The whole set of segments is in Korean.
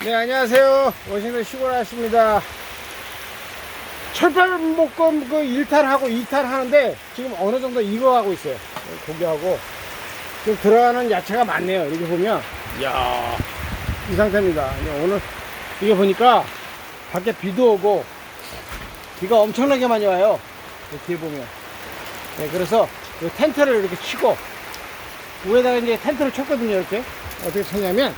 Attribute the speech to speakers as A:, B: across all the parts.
A: 네, 안녕하세요. 워싱턴 시골 아저씨입니다. 철판볶음 그 1탄하고 2탄 하는데 지금 어느 정도 익어가고 있어요. 고기하고 지금 들어가는 야채가 많네요. 이렇게 보면 이야, 이 상태입니다. 오늘 이게 보니까 밖에 비도 오고 비가 엄청나게 많이 와요. 뒤에 보면. 네, 그래서 이 텐트를 이렇게 치고 위에다가 이제 텐트를 쳤거든요. 이렇게 어떻게 쳤냐면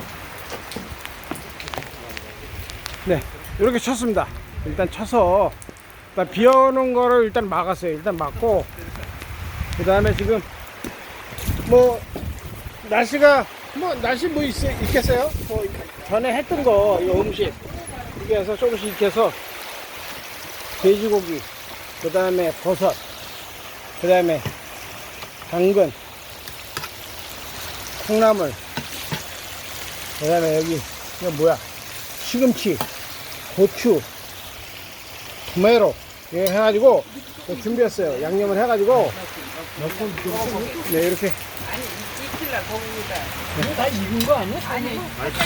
A: 네, 이렇게 쳤습니다. 일단 쳐서 일단 비 오는 거를 일단 막았어요. 일단 막고 그 다음에 지금 뭐 날씨가 날씨 있겠어요? 뭐 전에 했던 거 이 음식 이렇게 해서 조금씩 익혀서 돼지고기, 그 다음에 버섯, 그 다음에 당근, 콩나물, 그 다음에 여기 이거 뭐야, 시금치, 고추, 토마토 이렇게 해가지고 준비했어요. 양념을 해가지고 네, 이렇게.
B: 아니, 익힐라 거기다.
C: 다 익은 거 아니야?
B: 아니,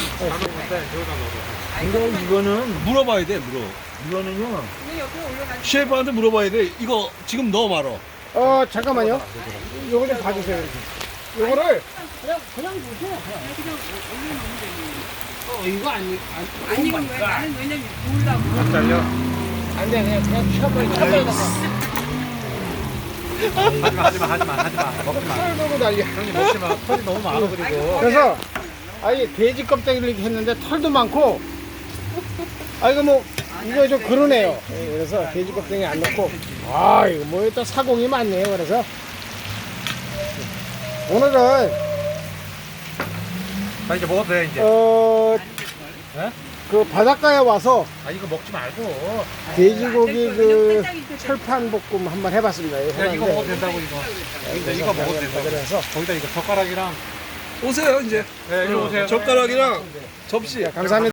C: 근데 이거는 물어봐야 돼, 이거는요.
B: 근데 옆에 올라가지.
C: 셰프한테 물어봐야 돼. 이거 지금 넣어 말어.
A: 잠깐만요. 요거 좀 봐주세요. 이렇게. 요거를
B: 그냥 올려놓으면 되지. 이거 안 익은 거야. 나는 왜냐면 구우려고.
A: 안 잘려. 안 돼, 그냥 쳐버리고.
C: 하지마. 먹지 마.
A: 털 들고 난리야.
C: 형님 먹지 마. 털이 너무 많아, 그리고.
A: 그래서 아예 돼지 껍데기를 이렇게 했는데 털도 많고, 이거 좀 그러네요. 예, 그래서 돼지 껍데기 안 넣고, 이거 뭐 일단 사공이 많네요. 그래서 오늘은
C: 자, 이제 먹어도 돼, 이제. 네?
A: 그 바닷가에 와서
C: 이거 먹지 말고.
A: 돼지고기 그 철판 볶음 한번 해봤습니다.
C: 이거 먹어도 된다고, 이거. 이거 먹어도 된다고.
A: 그래서
C: 거기다 이거 젓가락이랑. 오세요, 이제. 네, 이리 오세요. 젓가락이랑 접시.
A: 감사합니다.